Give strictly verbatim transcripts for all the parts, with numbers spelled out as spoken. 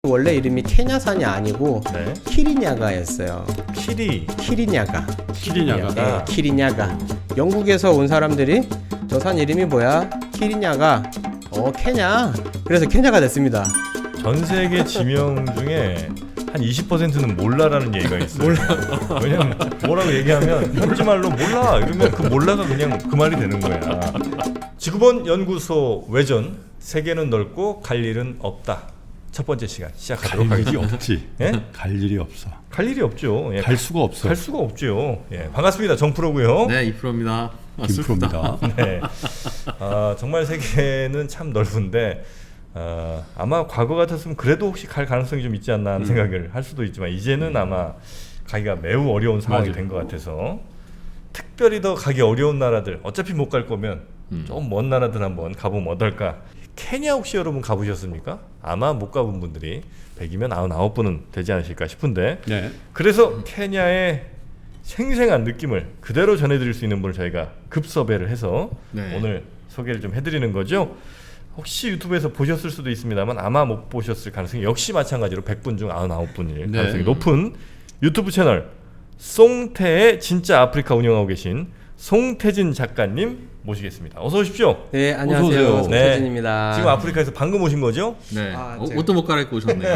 원래 이름이 케냐산이 아니고 네. 키리냐가였어요. 키리. 키리냐가. 키리냐가. 네, 키리냐가. 영국에서 온 사람들이 저 산 이름이 뭐야? 키리냐가. 어, 케냐. 그래서 케냐가 됐습니다. 전 세계 지명 중에 한 이십 퍼센트는 몰라라는 얘기가 있어요. 몰라. 왜냐면 뭐라고 얘기하면 현지 말로 몰라 이러면 그 몰라가 그냥 그 말이 되는 거야. 지구본 연구소 외전. 세계는 넓고 갈 일은 없다. 첫 번째 시간 시작하도록 갈 일이 하겠습니다. 없지. 예? 갈 일이 없어. 갈 일이 없죠. 예. 갈 수가 없어. 갈 수가 없죠. 예. 반갑습니다. 정프로고요. 네, 이프로입니다. 김프로입니다. 네. 아, 정말 세계는 참 넓은데 어, 아마 과거 같았으면 그래도 혹시 갈 가능성이 좀 있지 않나 하는 음. 생각을 할 수도 있지만 이제는 아마 가기가 매우 어려운 상황이 된 것 같아서 특별히 더 가기 어려운 나라들 어차피 못 갈 거면 음. 좀 먼 나라들 한번 가보면 어떨까. 케냐 혹시 여러분 가보셨습니까? 아마 못 가본 분들이 백이면 구십구 분은 되지 않으실까 싶은데 네. 그래서 케냐의 생생한 느낌을 그대로 전해드릴 수 있는 분을 저희가 급섭외를 해서 네. 오늘 소개를 좀 해드리는 거죠. 혹시 유튜브에서 보셨을 수도 있습니다만 아마 못 보셨을 가능성이 역시 마찬가지로 백 분 중 구십구 분일 네. 가능성이 높은 유튜브 채널 송태의 진짜 아프리카 운영하고 계신 송태진 작가님 모시겠습니다. 어서 오십시오. 네, 안녕하세요. 어서 오세요. 송태진입니다. 지금 아프리카에서 방금 오신 거죠? 네. 아, 어, 제가- 옷도 못 갈아입고 오셨네요.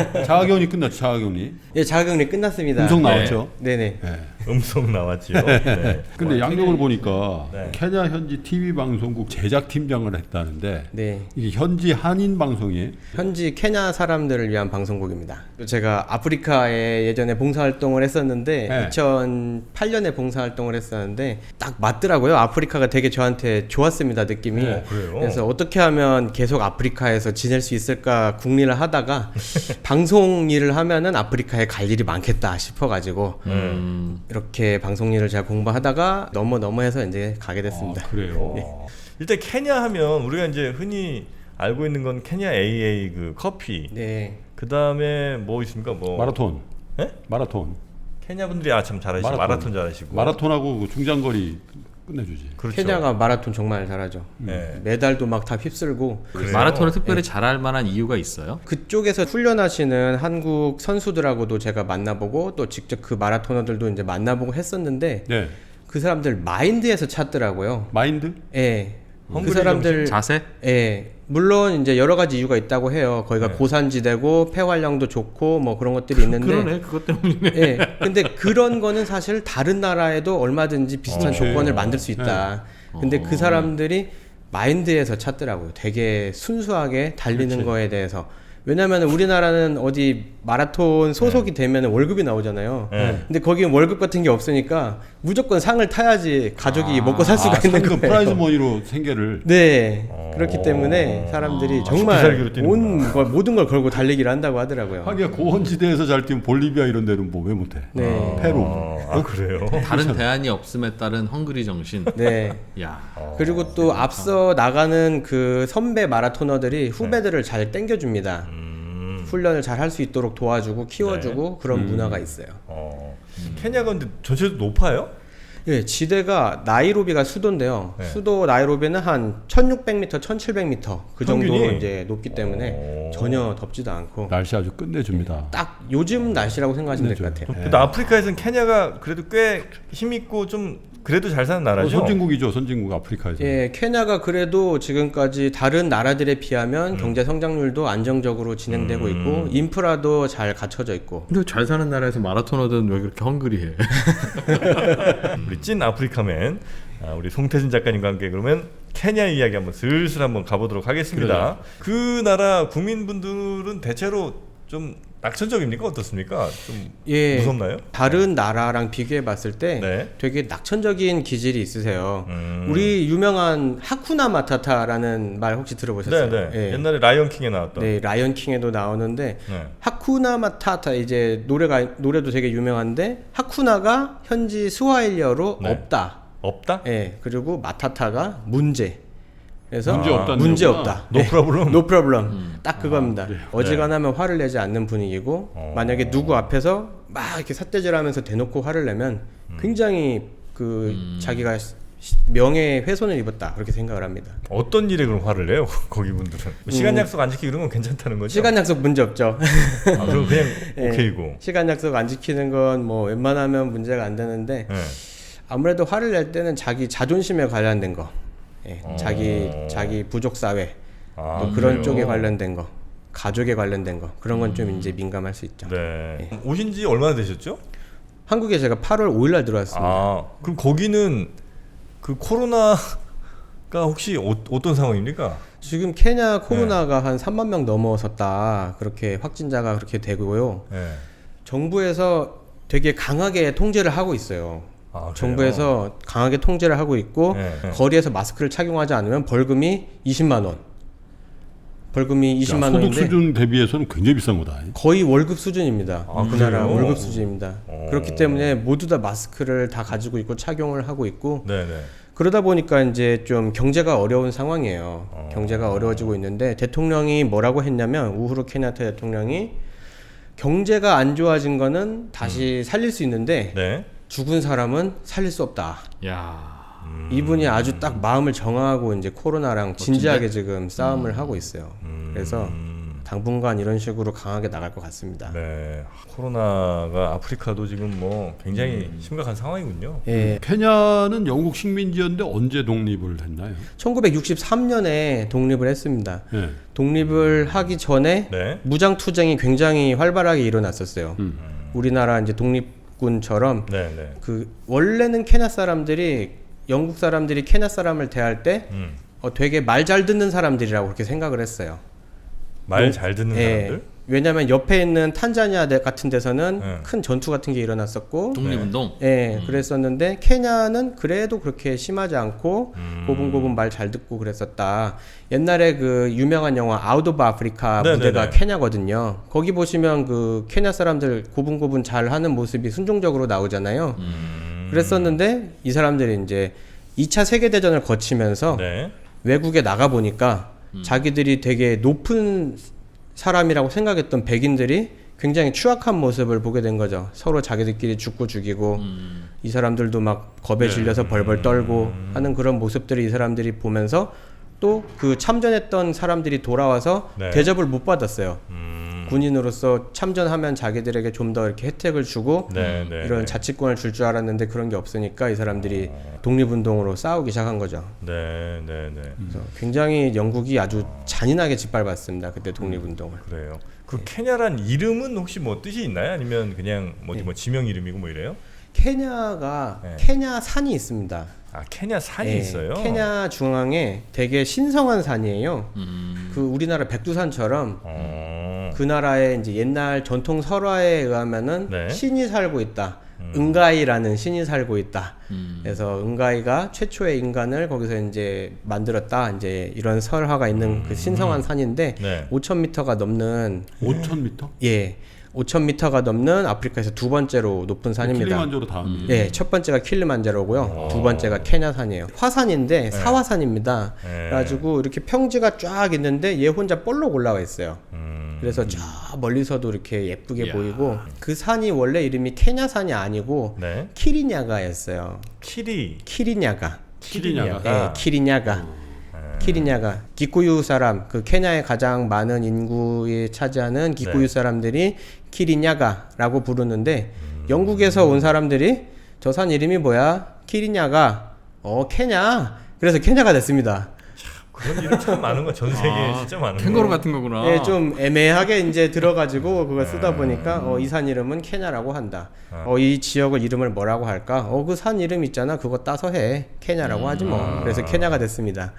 자가격리 끝났죠. 자가격리. 예, 자가격리 끝났습니다. 음성 네. 나왔죠. 네네. 네. 음성 나왔지요. 네. 근데 와, 양력을 보니까 네. 케냐 현지 티비 방송국 제작팀장을 했다는데 네. 이게 현지 한인 방송이에요. 현지 케냐 사람들을 위한 방송국입니다. 제가 아프리카에 예전에 봉사활동을 했었는데 네. 이천팔 년에 봉사활동을 했었는데 딱 맞더라고요. 아프리카가 되게 저한테 좋았습니다. 느낌이. 어, 그래요? 그래서 어떻게 하면 계속 아프리카에서 지낼 수 있을까 궁리를 하다가 방송 일을 하면은 아프리카에 갈 일이 많겠다 싶어가지고 음, 이렇게 방송 일을 제가 공부하다가 넘어 넘어 해서 이제 가게 됐습니다. 아, 그래요. 어. 일단 케냐 하면 우리가 이제 흔히 알고 있는 건 케냐 에이에이 그 커피. 네. 그 다음에 뭐 있습니까? 뭐 마라톤. 예? 마라톤. 케냐 분들이 아 참 잘하시고 마라톤, 마라톤 잘하시고. 마라톤하고 그 중장거리 끝내주지. 그렇죠. 케냐가 마라톤 정말 잘하죠. 네. 메달도 막 다 휩쓸고 그래요? 마라톤을 특별히 잘할 만한 이유가 있어요? 그쪽에서 훈련하시는 한국 선수들하고도 제가 만나보고 또 직접 그 마라토너들도 이제 만나보고 했었는데 네. 그 사람들 마인드에서 찾더라고요. 마인드? 예. 그 헝그리 사람들 자세? 예. 물론 이제 여러 가지 이유가 있다고 해요. 거기가 네. 고산지대고 폐활량도 좋고 뭐 그런 것들이 있는데 그러네, 그것 때문이네. 예. 근데 그런 거는 사실 다른 나라에도 얼마든지 비슷한 어, 조건을 네. 만들 수 있다. 네. 근데 어. 그 사람들이 마인드에서 찾더라고요. 되게 순수하게 달리는 그렇지. 거에 대해서. 왜냐면 우리나라는 어디 마라톤 소속이 되면 월급이 나오잖아요. 네. 근데 거기는 월급 같은 게 없으니까 무조건 상을 타야지 가족이 먹고 살 수가 아, 있는 상금 거예요. 프라이즈 머니로 생계를. 네. 어. 그렇기 때문에 사람들이 아, 정말 비살기로 뛰는구나. 온 걸, 모든 걸 걸고 달리기를 한다고 하더라고요. 하기야 고원지대에서 잘 뛰면 볼리비아 이런 데는 뭐 왜 못해? 네. 페루. 어, 아 그래요? 다른 대안이 없음에 따른 헝그리 정신. 네. 야, 그리고 또 앞서 나가는 그 선배 마라토너들이 후배들을 잘 땡겨줍니다. 음. 훈련을 잘 할 수 있도록 도와주고 키워주고 그런 문화가 있어요. 어. 케냐가 근데 전체도 높아요? 예, 지대가 나이로비가 수도인데요. 네. 수도 나이로비는 한 천육백 미터, 천칠백 미터 그 정도로 평균이? 이제 높기 때문에 오. 전혀 덥지도 않고 날씨 아주 끝내줍니다. 딱 요즘 날씨라고 생각하시면 될 것 끝내줘요. 같아요. 근데 아프리카에서는 케냐가 그래도 꽤 힘있고 좀 그래도 잘 사는 어, 나라죠? 선진국이죠. 선진국 아프리카에서. 예, 케냐가 그래도 지금까지 다른 나라들에 음. 비하면 경제 성장률도 안정적으로 진행되고 있고 인프라도 잘 갖춰져 있고. 근데 잘 사는 나라에서 마라토너든 왜 그렇게 헝그리해? 우리 찐 아프리카맨 아, 우리 송태진 작가님과 함께 그러면 케냐 이야기 한번 슬슬 한번 가보도록 하겠습니다. 그 나라 국민분들은 대체로 좀 낙천적입니까? 어떻습니까? 좀 예, 무섭나요? 다른 나라랑 비교해 봤을 때 네. 되게 낙천적인 기질이 있으세요. 음. 우리 유명한 하쿠나 마타타라는 말 혹시 들어보셨어요? 네, 네. 예. 옛날에 라이언 킹에 나왔던. 네, 라이언 킹에도 나오는데 네. 하쿠나 마타타 이제 노래가 노래도 되게 유명한데 하쿠나가 현지 스와힐리어로 네. 없다. 없다? 예. 그리고 마타타가 문제. 그래서 문제 없다는 문제 거구나. 없다. 노 프로블럼. 노 프로블럼. 딱 그겁니다. 그래요? 어지간하면 화를 내지 않는 분위기고 어. 만약에 누구 앞에서 막 이렇게 삿대질하면서 대놓고 화를 내면 굉장히 그 자기가 명예 훼손을 입었다 그렇게 생각을 합니다. 어떤 일에 그럼 화를 내요? 거기 분들은 뭐 시간 약속 안 지키고 이런 건 괜찮다는 거죠? 시간 약속 문제 없죠. 아, 그럼 그냥 예, 오케이고. 시간 약속 안 지키는 건 뭐 웬만하면 문제가 안 되는데 예. 아무래도 화를 낼 때는 자기 자존심에 관련된 거, 예, 어. 자기 자기 부족 사회 아, 또 그런 그래요? 쪽에 관련된 거, 가족에 관련된 거 그런 건 좀 이제 민감할 수 있죠. 네. 오신 지 얼마나 되셨죠? 한국에 제가 팔월 오일날 들어왔습니다. 아, 그럼 거기는 그 코로나가 혹시 어, 어떤 상황입니까? 지금 케냐 네. 코로나가 한 삼만 명 넘어섰다 그렇게 확진자가 그렇게 되고요. 네. 정부에서 되게 강하게 통제를 하고 있어요. 아, 그래요? 정부에서 강하게 통제를 하고 있고 네, 네. 거리에서 마스크를 착용하지 않으면 벌금이 이십만 원. 벌금이 이십만 소득 원인데 수준 대비해서는 굉장히 비싼 거다. 거의 월급 수준입니다. 아, 그 나라 그래요? 월급 수준입니다. 어. 그렇기 때문에 모두 다 마스크를 다 가지고 있고 착용을 하고 있고 네네. 그러다 보니까 이제 좀 경제가 어려운 상황이에요. 어. 경제가 어려워지고 있는데 대통령이 뭐라고 했냐면 우후루 케냐타 대통령이 경제가 안 좋아진 거는 다시 살릴 수 있는데 네. 죽은 사람은 살릴 수 없다. 야. 음. 이분이 아주 딱 마음을 정하고 이제 코로나랑 진지하게 지금 싸움을 하고 있어요. 음. 그래서 당분간 이런 식으로 강하게 나갈 것 같습니다. 네. 코로나가 아프리카도 지금 뭐 굉장히 음. 심각한 상황이군요. 예, 케냐는 영국 식민지였는데 언제 독립을 했나요? 천구백육십삼 년에 독립을 했습니다. 예. 독립을 하기 전에 네. 무장 투쟁이 굉장히 활발하게 일어났었어요. 음. 우리나라 이제 독립군처럼 네, 네. 그 원래는 케냐 사람들이 영국 사람들이 케냐 사람을 대할 때 음. 어, 되게 말 잘 듣는 사람들이라고 그렇게 생각을 했어요. 말 잘 듣는 예, 사람들? 왜냐하면 옆에 있는 탄자니아 대- 같은 데서는 네. 큰 전투 같은 게 일어났었고, 독립운동. 예, 그랬었는데 케냐는 그래도 그렇게 심하지 않고 음. 고분고분 말 잘 듣고 그랬었다. 옛날에 그 유명한 영화 아웃 오브 아프리카 네네네. 무대가 케냐거든요. 거기 보시면 그 케냐 사람들 고분고분 잘 하는 모습이 순종적으로 나오잖아요. 음. 그랬었는데 이 사람들이 이제 이 차 세계대전을 거치면서 네. 외국에 나가 보니까 자기들이 되게 높은 사람이라고 생각했던 백인들이 굉장히 추악한 모습을 보게 된 거죠. 서로 자기들끼리 죽고 죽이고 음. 이 사람들도 막 겁에 네. 질려서 벌벌 떨고 하는 그런 모습들을 이 사람들이 보면서 또 그 참전했던 사람들이 돌아와서 네. 대접을 못 받았어요. 음. 군인으로서 참전하면 자기들에게 좀 더 이렇게 혜택을 주고 네, 네. 이런 네. 자치권을 줄 줄 알았는데 그런 게 없으니까 이 사람들이 독립운동으로 싸우기 시작한 거죠. 네, 네, 네. 그래서 굉장히 영국이 아주 잔인하게 짓밟았습니다. 그때 독립운동을. 그래요. 그 네. 케냐란 이름은 혹시 뭐 뜻이 있나요? 아니면 그냥 뭐, 뭐 지명 이름이고 뭐 이래요? 케냐가 네. 케냐 산이 있습니다. 아, 케냐 산이 예, 있어요. 케냐 중앙에 되게 신성한 산이에요. 음. 그 우리나라 백두산처럼 어. 그 나라의 이제 옛날 전통 설화에 의하면은 네. 신이 살고 있다. 음. 은가이라는 신이 살고 있다. 음. 그래서 은가이가 최초의 인간을 거기서 이제 만들었다. 이제 이런 설화가 있는 그 신성한 산인데 네. 오천 미터가 넘는 오천 미터? 예. 오천 미터가 넘는 아프리카에서 두 번째로 높은 산입니다. 킬리만자로 다음이에요. 예, 첫 번째가 킬리만자로고요. 오. 두 번째가 케냐산이에요. 화산인데 사화산입니다. 네. 그래가지고 이렇게 평지가 쫙 있는데 얘 혼자 볼록 올라와 있어요. 음. 그래서 저 멀리서도 이렇게 예쁘게 이야. 보이고 그 산이 원래 이름이 케냐산이 아니고 네. 키리냐가였어요. 키리. 키리냐가. 키리냐가. 예, 키리냐가. 키리냐가 기쿠유 사람 그 케냐의 가장 많은 인구에 차지하는 기쿠유 네. 사람들이 키리냐가라고 부르는데 영국에서 온 사람들이 저 산 이름이 뭐야? 키리냐가. 어 케냐. 그래서 케냐가 됐습니다. 그런 일은 참 많은 거. 전 세계에 아, 진짜 많은 캥거루 거. 같은 거구나. 예, 좀 애매하게 이제 들어가지고 그걸 쓰다 네. 보니까 어, 이 산 이름은 케냐라고 한다. 아. 어, 이 지역을 이름을 뭐라고 할까? 어, 그 산 이름 있잖아. 그거 따서 해. 케냐라고 하지 뭐. 아. 그래서 케냐가 됐습니다.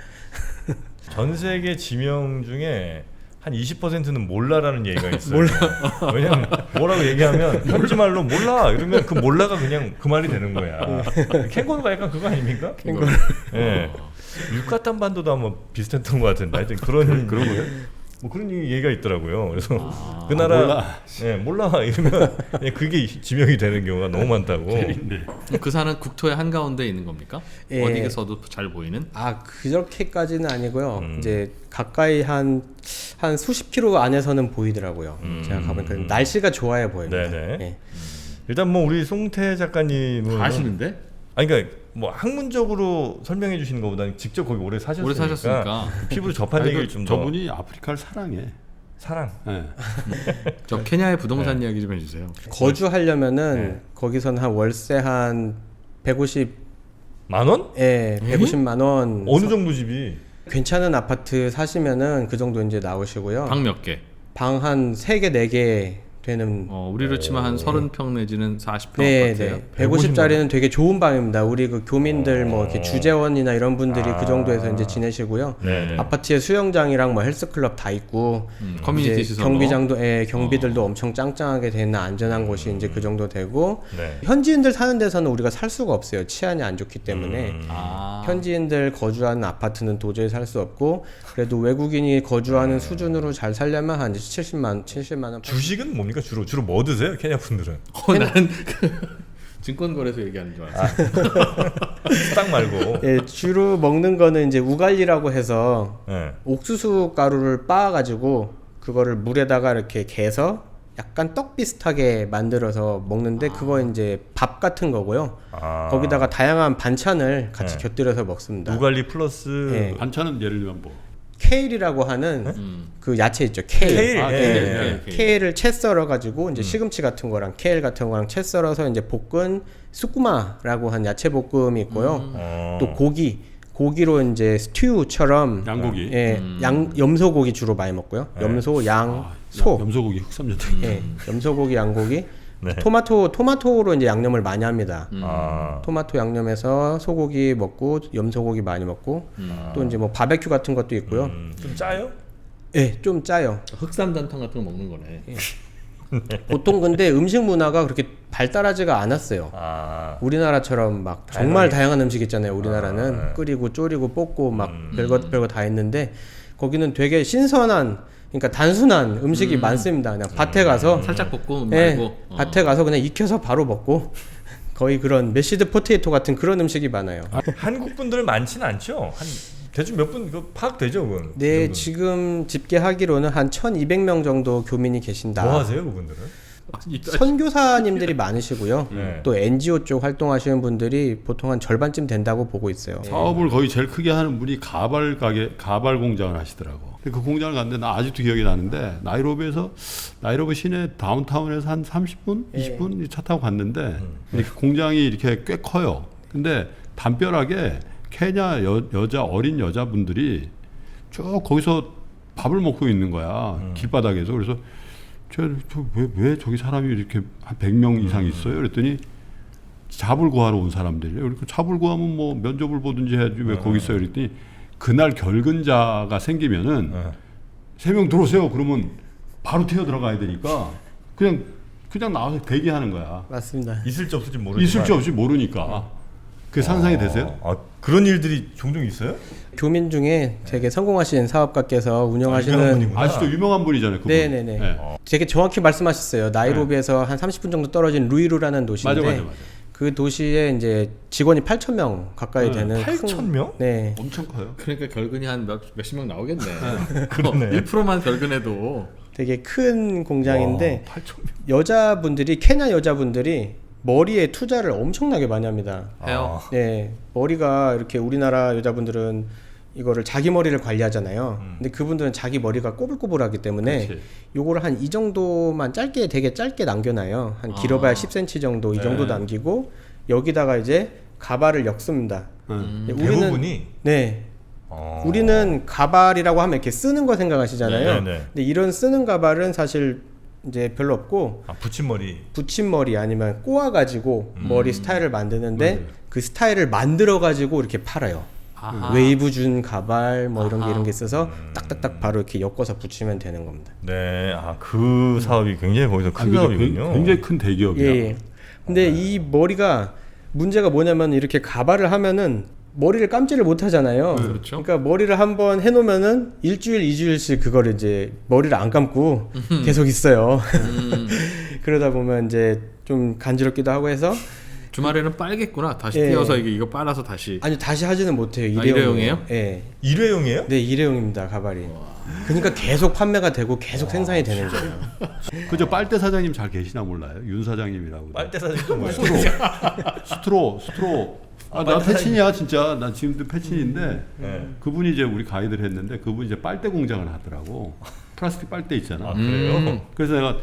전 세계 지명 중에 한 이십 퍼센트는 몰라라는 얘기가 있어요. 몰라. 왜냐면 뭐라고 얘기하면 현지 말로 몰라 이러면 그 몰라가 그냥 그 말이 되는 거야. 캥거루가 약간 그거 아닙니까? 캥거루. 예. 유카탄 반도도 아마 비슷했던 것 같은데 하여튼 그런 그런 거예요? 뭐 그런 얘기가 있더라고요. 그래서 아, 그 나라 몰라. 예, 몰라 이러면 그냥 그게 지명이 되는 경우가 너무 많다고. 네. 그 산은 국토의 한 가운데 있는 겁니까? 예. 어디에서도 잘 보이는? 아, 그렇게까지는 아니고요. 음. 이제 가까이 한, 한 수십 킬로 안에서는 보이더라고요. 음. 제가 가보니까 날씨가 좋아야 보입니다. 네네. 예. 일단 뭐 우리 송태 작가님은 다 아시는데? 아니 그러니까 뭐 학문적으로 설명해 주시는 것보다는 직접 거기 오래 사셨으니까, 오래 사셨으니까. 피부로 접한 아니, 얘기를 그 좀 더 저분이 아프리카를 사랑해. 사랑. 예. 저 케냐의 부동산 네. 이야기 좀 해주세요. 거주하려면은 네. 거기서는 한 월세 한 백오십, 만 원? 예, 백오십만 원. 어느 정도 집이? 괜찮은 아파트 사시면은 그 정도 이제 나오시고요. 방 몇 개? 방 한 세 개, 네 개 되는. 어, 우리로 치면 한 서른 평 내지는 사십 평 네, 아파트예요. 네. 백오십짜리는 되게 좋은 방입니다. 우리 그 교민들 뭐 이렇게 어. 주재원이나 이런 분들이 아. 그 정도에서 이제 지내시고요. 네. 아파트에 수영장이랑 뭐 헬스클럽 다 있고, 음, 커뮤니티 이제 시설로. 경비장도, 예, 경비들도 엄청 짱짱하게 되는 안전한 곳이 이제 그 정도 되고, 네. 현지인들 사는 데서는 우리가 살 수가 없어요. 치안이 안 좋기 때문에. 음. 아. 현지인들 거주하는 아파트는 도저히 살 수 없고, 그래도 외국인이 거주하는 수준으로 잘 살려면 한 칠십만, 칠십만 원. 주식은 뭡니까? 주로 주로 뭐 드세요? 케냐 분들은? 어, 나는 그 증권거래소 얘기하는 줄 알았어. 딱 말고. 예, 주로 먹는 거는 이제 우갈리라고 해서 네. 옥수수 가루를 빻아가지고 그거를 물에다가 이렇게 개서 약간 떡 비슷하게 만들어서 먹는데 그거 이제 밥 같은 거고요. 아. 거기다가 다양한 반찬을 같이 네. 곁들여서 먹습니다. 우갈리 플러스 예. 반찬은 예를 들면 뭐 케일이라고 하는 음. 그 야채 있죠. 케일. 케일. 아, 예, 케일, 예. 케일, 케일. 케일을 채 썰어 가지고 이제 시금치 같은 거랑 케일 같은 거랑 채 썰어서 이제 볶은 수쿠마라고 한 야채 볶음이 있고요. 어. 또 고기 고기로 이제 스튜처럼 양고기. 예, 음. 양 염소고기 주로 많이 먹고요. 네. 염소, 양, 아, 소. 염소고기 흑삼전탕. 예, 염소고기, 양고기. 네. 토마토 토마토로 이제 양념을 많이 합니다. 음. 아. 토마토 양념해서 소고기 먹고 염소고기 많이 먹고 음. 또 이제 뭐 바베큐 같은 것도 있고요. 음, 좀 짜요? 예, 좀 짜요. 흑삼단탕 같은 거 먹는 거네. 보통 근데 음식 문화가 그렇게 발달하지가 않았어요. 아. 우리나라처럼 막 정말 다양하게. 다양한 음식 있잖아요. 우리나라는 아, 네. 끓이고 졸이고 볶고 막 음. 별것 별거 다 있는데 거기는 되게 신선한 그러니까 단순한 음식이 많습니다. 그냥 밭에 가서 살짝 볶고 예, 말고. 어. 밭에 가서 그냥 익혀서 바로 먹고 거의 그런 메시드 포테이토 같은 그런 음식이 많아요. 한국 분들 많지는 않죠? 한 대충 몇 분 그 파악되죠, 그건? 네, 그 정도는? 지금 집계하기로는 한 천이백 명 정도 교민이 계신다. 뭐 하세요, 그분들은? 아니, 선교사님들이 많으시고요. 네. 또 엔지오 쪽 활동하시는 분들이 보통 한 절반쯤 된다고 보고 있어요. 사업을 거의 제일 크게 하는 분이 가발 가게, 가발 공장을 하시더라고. 근데 그 공장을 갔는데 나 아직도 기억이 나는데 나이로비에서 나이로비 시내 다운타운에서 한 삼십 분, 예. 이십 분 차 타고 갔는데 이렇게 공장이 이렇게 꽤 커요. 근데 담벼락에 케냐 여, 여자 어린 여자분들이 쭉 거기서 밥을 먹고 있는 거야. 길바닥에서. 그래서 저왜 왜 저기 사람이 이렇게 한 백 명 이상 있어요? 그랬더니 잡을 구하러 온 사람들이에요. 그러니까 잡을 구하면 뭐 면접을 보든지 해야지 왜 거기 있어요? 그랬더니 그날 결근자가 생기면은 네. 세 명 들어오세요. 그러면 바로 튀어 들어가야 되니까 그냥 그냥 나와서 대기하는 거야. 맞습니다. 있을지 없을지 모르지만 있을지 없이 모르니까. 그 상상이 되세요? 아, 그런 일들이 종종 있어요? 교민 중에 되게 성공하신 사업가께서 유명한 운영하시는 분이구나. 아직도 유명한 분이잖아요. 그분. 네네네. 네. 되게 정확히 말씀하셨어요. 나이로비에서 한 삼십 분 정도 떨어진 루이루라는 도시인데 맞아, 맞아, 맞아. 그 도시에 이제 직원이 팔천 명 가까이 네, 되는 팔천 명? 큰, 네. 엄청 커요. 그러니까 결근이 한 몇, 몇십 명 나오겠네. 그러네. 어, 일 퍼센트만 결근해도 되게 큰 공장인데 와, 팔천 명. 여자분들이 케냐 여자분들이 머리에 투자를 엄청나게 많이 합니다. 해요. 아, 네, 머리가 이렇게 우리나라 여자분들은 이거를 자기 머리를 관리하잖아요. 음. 근데 그분들은 자기 머리가 꼬불꼬불하기 때문에 그렇지. 요거를 한 이 정도만 짧게 되게 짧게 남겨놔요. 한 길어봐야 아. 십 센티미터 정도 이 정도 네. 남기고 여기다가 이제 가발을 엮습니다. 응. 네, 대부분이 네, 어. 우리는 가발이라고 하면 이렇게 쓰는 거 생각하시잖아요. 네, 네, 네. 근데 이런 쓰는 가발은 사실 이제 별로 없고 아, 붙임머리. 붙임머리 아니면 꼬아가지고 음. 머리 스타일을 만드는데 맞아요. 그 스타일을 만들어가지고 이렇게 팔아요. 아하. 웨이브 준 가발 뭐 이런 게 아하. 이런 게 있어서 음. 딱딱딱 바로 이렇게 엮어서 붙이면 되는 겁니다. 네, 아, 그 사업이 굉장히 거기서 아, 큰 그죠? 사업이군요. 굉장히 큰 대기업이야. 예, 예. 근데 이 머리가 문제가 뭐냐면 이렇게 가발을 하면은 머리를 감지를 못 하잖아요. 그렇죠. 그러니까 머리를 한번 해놓으면은 일주일, 이주일씩 그걸 이제 머리를 안 감고 계속 있어요. 음, 그러다 보면 이제 좀 간지럽기도 하고 해서 주말에는 빨겠구나. 다시 예. 띄어서 이게 이거 빨아서 다시. 아니 다시 하지는 못해요. 아, 일회용이에요. 일회용이에요? 예. 일회용이에요? 네, 일회용입니다. 가발이. 와. 그러니까 계속 판매가 되고 계속 생산이 되는 거예요. 그저 빨대 사장님 잘 계시나 몰라요. 윤 사장님이라고. 빨대 사장도 뭐예요? 스트로, 스트로, 스트로. 아, 나 패친이야 진짜. 나 지금도 패친인데 네. 그분이 이제 우리 가이드를 했는데 그분이 이제 빨대 공장을 하더라고. 플라스틱 빨대 있잖아. 아 그래요? 음. 그래서 내가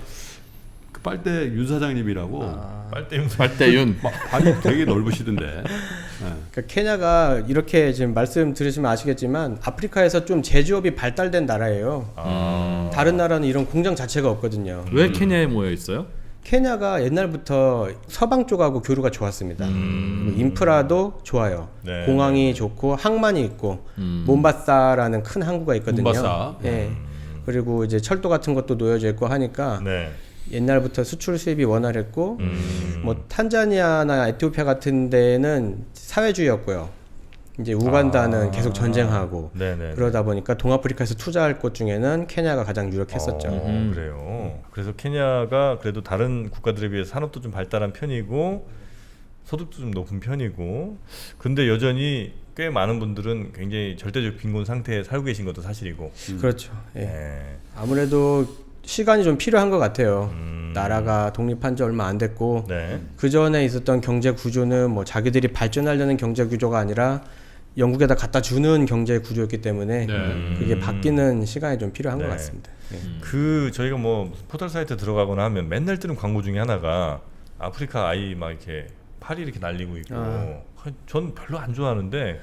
그 빨대 윤 사장님이라고 아. 빨대 용 빨대윤. 막 발이 되게 넓으시던데. 네. 그러니까 케냐가 이렇게 지금 말씀 들으시면 아시겠지만 아프리카에서 좀 제조업이 발달된 나라예요. 아. 다른 나라는 이런 공장 자체가 없거든요. 왜 케냐에 모여 있어요? 케냐가 옛날부터 서방 쪽하고 교류가 좋았습니다. 음. 그리고 인프라도 좋아요. 네. 공항이 좋고 항만이 있고 음. 몬바사라는 큰 항구가 있거든요. 몬바사. 예. 그리고 이제 철도 같은 것도 놓여져 있고 하니까 네. 옛날부터 수출 수입이 원활했고 음. 뭐 탄자니아나 에티오피아 같은 데는 사회주의였고요. 이제 우간다는 아. 계속 전쟁하고 네네. 그러다 보니까 동아프리카에서 투자할 곳 중에는 케냐가 가장 유력했었죠. 어, 음. 그래요. 그래서 케냐가 그래도 다른 국가들에 비해 산업도 좀 발달한 편이고 소득도 좀 높은 편이고 근데 여전히 꽤 많은 분들은 굉장히 절대적 빈곤 상태에 살고 계신 것도 사실이고. 그렇죠. 예. 네. 아무래도 시간이 좀 필요한 것 같아요. 음. 나라가 독립한 지 얼마 안 됐고 네. 그 전에 있었던 경제 구조는 뭐 자기들이 발전하려는 경제 구조가 아니라 영국에다 갖다 주는 경제 구조였기 때문에 네. 그게 바뀌는 시간이 좀 필요한 네. 것 같습니다. 예. 그 저희가 뭐 포털 사이트 들어가거나 하면 맨날 뜨는 광고 중에 하나가 아프리카 아이 막 이렇게 팔이 이렇게 날리고 있고 아. 전 별로 안 좋아하는데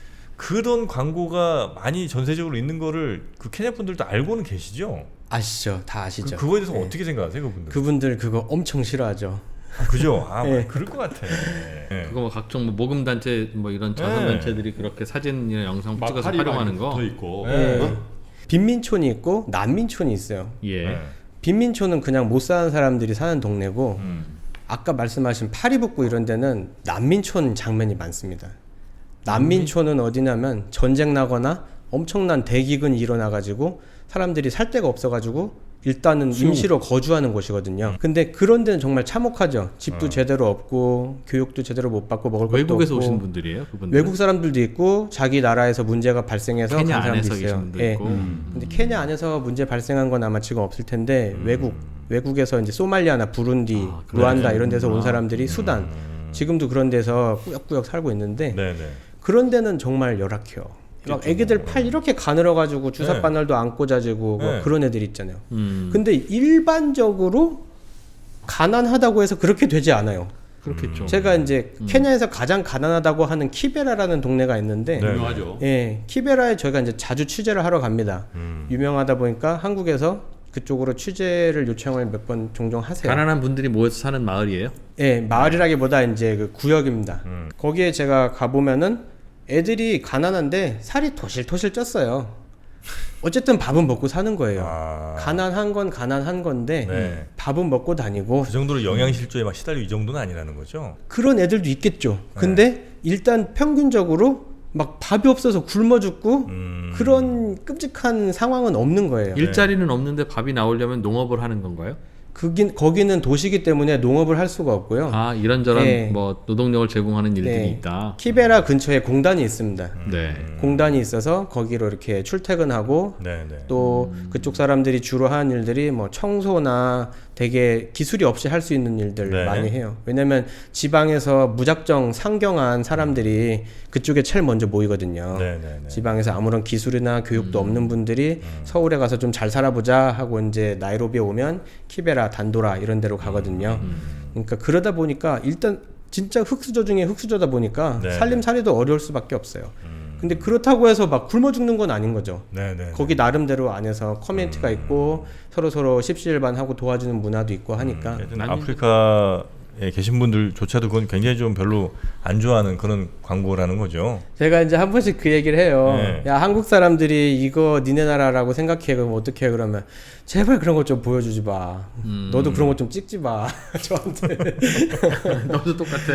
그런 광고가 많이 전세적으로 있는 거를 그 케냐 분들도 알고는 계시죠? 아시죠? 다 아시죠? 그, 그거에 대해서 예. 어떻게 생각하세요, 그분들? 그분들 그거 엄청 싫어하죠. 아, 그죠? 아, 예. 그럴 것 같아. 예. 그거 뭐 각종 뭐 모금 단체 뭐 이런 자선 네. 단체들이 그렇게 사진이나 영상 막 찍어서 팔이 활용하는 많이 거. 붙어 있고. 네. 예. 빈민촌이 있고 난민촌이 있어요. 예. 네. 빈민촌은 그냥 못 사는 사람들이 사는 동네고 음. 아까 말씀하신 파리북구 이런 데는 난민촌 장면이 많습니다. 난민촌은 어디냐면 전쟁 나거나 엄청난 대기근이 일어나가지고 사람들이 살 데가 없어가지고 일단은 수용. 임시로 거주하는 곳이거든요. 근데 그런 데는 정말 참혹하죠. 집도 어. 제대로 없고 교육도 제대로 못 받고 먹을 것도 외국에서 없고 오신 분들이에요, 그분들. 외국 사람들도 있고 자기 나라에서 문제가 발생해서 케냐 간 사람도 안에서 있어요. 계신 분도 예. 있고. 음. 근데 케냐 안에서 문제 발생한 건 아마 지금 없을 텐데 음. 외국 외국에서 이제 소말리아나 부룬디, 아, 그래. 루안다 이런 데서 온 아. 사람들이 수단 지금도 그런 데서 꾸역꾸역 살고 있는데 네네. 그런 데는 정말 열악해요. 막 그렇죠. 애기들 팔 이렇게 가늘어 가지고 주사 네. 바늘도 안 꽂아지고 뭐 네. 그런 애들 있잖아요. 음. 근데 일반적으로 가난하다고 해서 그렇게 되지 않아요. 그렇겠죠. 제가 이제 음. 케냐에서 가장 가난하다고 하는 키베라라는 동네가 있는데 네. 유명하죠. 예, 키베라에 저희가 이제 자주 취재를 하러 갑니다. 음. 유명하다 보니까 한국에서 그쪽으로 취재를 요청을 몇 번 종종 하세요. 가난한 분들이 모여서 사는 마을이에요. 예, 마을이라기보다 이제 그 구역입니다. 음. 거기에 제가 가보면은 애들이 가난한데 살이 토실토실 쪘어요. 어쨌든 밥은 먹고 사는 거예요. 아. 가난한 건 가난한 건데 네. 밥은 먹고 다니고 그 정도로 영양실조에 막 시달리고 이 정도는 아니라는 거죠. 그런 애들도 있겠죠. 근데 일단 평균적으로 막 밥이 없어서 굶어 죽고 음. 그런 끔찍한 상황은 없는 거예요. 일자리는 없는데 밥이 나오려면 농업을 하는 건가요? 그긴 거기는 도시기 때문에 농업을 할 수가 없고요. 아 이런저런 예. 뭐 노동력을 제공하는 일들이 네. 있다. 키베라 근처에 공단이 있습니다. 네. 공단이 있어서 거기로 이렇게 출퇴근하고 네네. 또 음. 그쪽 사람들이 주로 하는 일들이 뭐 청소나 되게 기술이 없이 할 수 있는 일들 네. 많이 해요. 왜냐면 지방에서 무작정 상경한 사람들이 그쪽에 제일 먼저 모이거든요. 네네네. 지방에서 아무런 기술이나 교육도 없는 분들이 서울에 가서 좀 잘 살아보자 하고 이제 나이로비에 오면 키베라, 단도라 이런 데로 가거든요. 그러니까 그러다 보니까 일단 진짜 흙수저 중에 흙수저다 보니까 네. 살림살이도 어려울 수밖에 없어요. 근데 그렇다고 해서 막 굶어 죽는 건 아닌 거죠. 네네. 거기 나름대로 안에서 커뮤니티가 있고 서로 서로 십시일반하고 도와주는 문화도 있고 하니까 하여튼 난민들- 아프리카에 계신 분들조차도 그건 굉장히 좀 별로 안 좋아하는 그런 광고라는 거죠. 제가 이제 한 번씩 그 얘기를 해요. 네. 야 한국 사람들이 이거 니네 나라라고 생각해 그럼 어떻게 해 그러면 제발 그런 것 좀 보여주지 마. 음. 너도 그런 것 좀 찍지 마. 저한테. 너도 똑같아.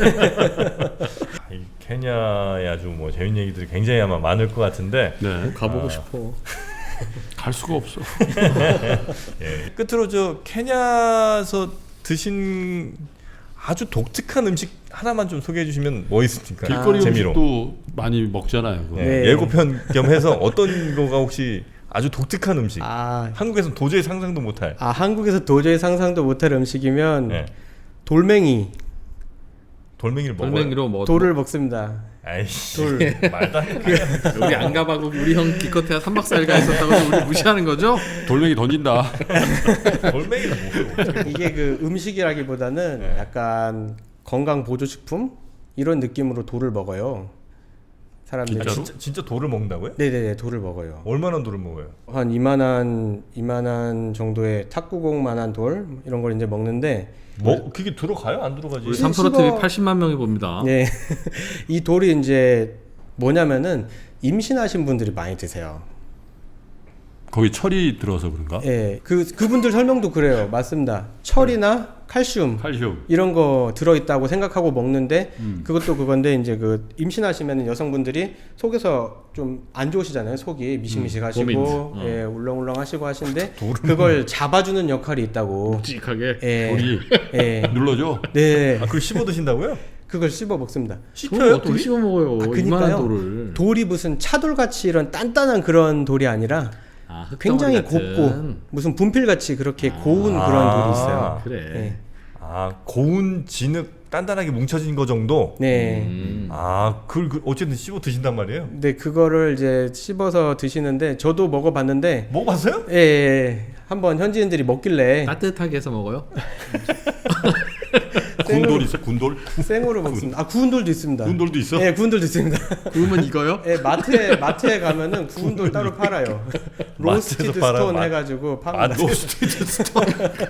아, 이 케냐의 아주 뭐 재밌는 얘기들이 굉장히 아마 많을 것 같은데 네. 가보고 아. 싶어. 갈 수가 없어. 예. 끝으로 저 케냐에서 드신 아주 독특한 음식 하나만 좀 소개해 주시면 뭐 있습니까? 길거리 재미로. 음식도 많이 먹잖아요. 그거. 예. 네. 예고편 겸 해서 어떤 거가 혹시 아주 독특한 음식. 아, 한국에서는 도저히 상상도 못할. 아 한국에서 도저히 상상도 못할 음식이면 네. 돌멩이 돌멩이를 먹어요. 돌멩이로 뭐 돌을 먹습니다. 아이씨. 돌. 말도 안 돼. 우리 안 가봐고 우리 형 기껏해야 삼 박 사 일 가 있었다고 해서 우리 무시하는 거죠? 돌멩이 던진다. 돌멩이를 먹어요. 이게 그 음식이라기보다는 네. 약간 건강 보조식품 이런 느낌으로 돌을 먹어요. 사람들이. 아, 진짜 진짜 돌을 먹는다고요? 네네네 돌을 먹어요. 얼마나 돌을 먹어요? 한 이만한 이만한 정도의 탁구공만한 돌 이런 걸 이제 먹는데 뭐 그게 들어가요? 안 들어가지? 우리 시- 삼프로 씹어- 티비 팔십만 명이 봅니다. 네. 이 돌이 이제 뭐냐면은 임신하신 분들이 많이 드세요. 거기 철이 들어서 그런가? 예. 그 그분들 설명도 그래요. 맞습니다. 철이나 칼슘 칼슘. 이런 거 들어 있다고 생각하고 먹는데 음. 그것도 그건데 이제 그 임신하시면 여성분들이 속에서 좀 안 좋으시잖아요. 속이 미식미식하시고 고민. 어. 예, 울렁울렁하시고 하시는데 그걸 잡아주는 역할이 있다고. 묵직하게. 예. 돌이 예. 눌러줘. 네. 아, 그걸 씹어 드신다고요? 그걸 씹어 먹습니다. 돌을 씹혀요? 어떻게 돌이? 씹어 먹어요? 아, 이만한 그니까요. 돌을. 돌이 무슨 차돌 같이 이런 단단한 그런 돌이 아니라 아, 흙덩어리 굉장히 같은. 곱고 무슨 분필 같이 그렇게 고운 아. 그런 돌이 있어요. 그래. 예. 아, 고운 진흙 단단하게 뭉쳐진 거 정도? 네. 음. 아, 그걸 그 어쨌든 씹어 드신단 말이에요? 근데 그거를 이제 씹어서 드시는데 저도 먹어봤는데 먹어봤어요? 예, 예. 한번 현지인들이 먹길래 따뜻하게 해서 먹어요? 군돌 있어? 군돌? 생으로 먹습니다. 아 구운 돌도 있습니다. 구운 돌도 있어? 예, 구운 돌도 있습니다. 구우면 익어요? 예, 마트에 마트에 가면은 구운 돌 따로 팔아요. 로스티드 마트에서 팔아요? 스톤 마- 해가지고 아, 팝니다. 로스티드 스톤.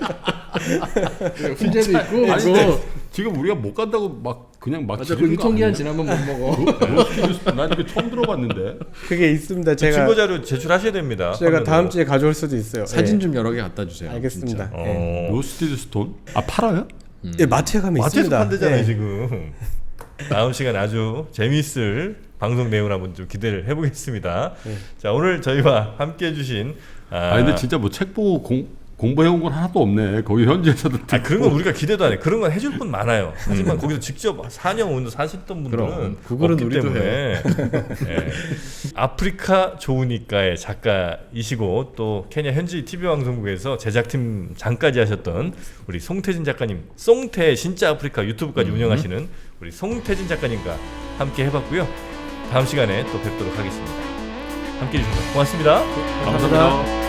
훈제도 있고. 아니 그거. 근데 지금 우리가 못 간다고 막 그냥 막 맞아. 그 지르는 거 유통기한 아니에요? 지나면 못 먹어. 로스티드 난 이거 처음 들어봤는데. 그게 있습니다. 제가 증거 자료 제출하셔야 됩니다. 제가 화면으로. 다음 주에 가져올 수도 있어요. 사진 예. 좀 여러 개 갖다 주세요. 알겠습니다. 진짜. 예. 어. 로스티드 스톤? 아 팔아요? 예, 마트에 가면 마트에서 있습니다. 판대잖아요 예. 지금. 다음 시간 아주 재미있을 방송 내용을 한번 좀 기대를 해보겠습니다. 네. 자 오늘 저희와 함께해 주신 아, 아 근데 진짜 뭐 책 보고 공 공부해온 건 하나도 없네. 거기 현지에서도 아, 그런 건 우리가 기대도 안 해. 그런 건 해줄 분 많아요. 하지만 거기서 직접 사 년 온 사셨던 분들은 그럼, 그거는 없기 우리도 때문에 예. 아프리카 좋으니까의 작가이시고 또 케냐 현지 티비 방송국에서 제작팀 장까지 하셨던 우리 송태진 작가님, 송태 진짜 아프리카 유튜브까지 음. 운영하시는 우리 송태진 작가님과 함께 해봤고요. 다음 시간에 또 뵙도록 하겠습니다. 함께해 주셔서 고맙습니다. 감사합니다.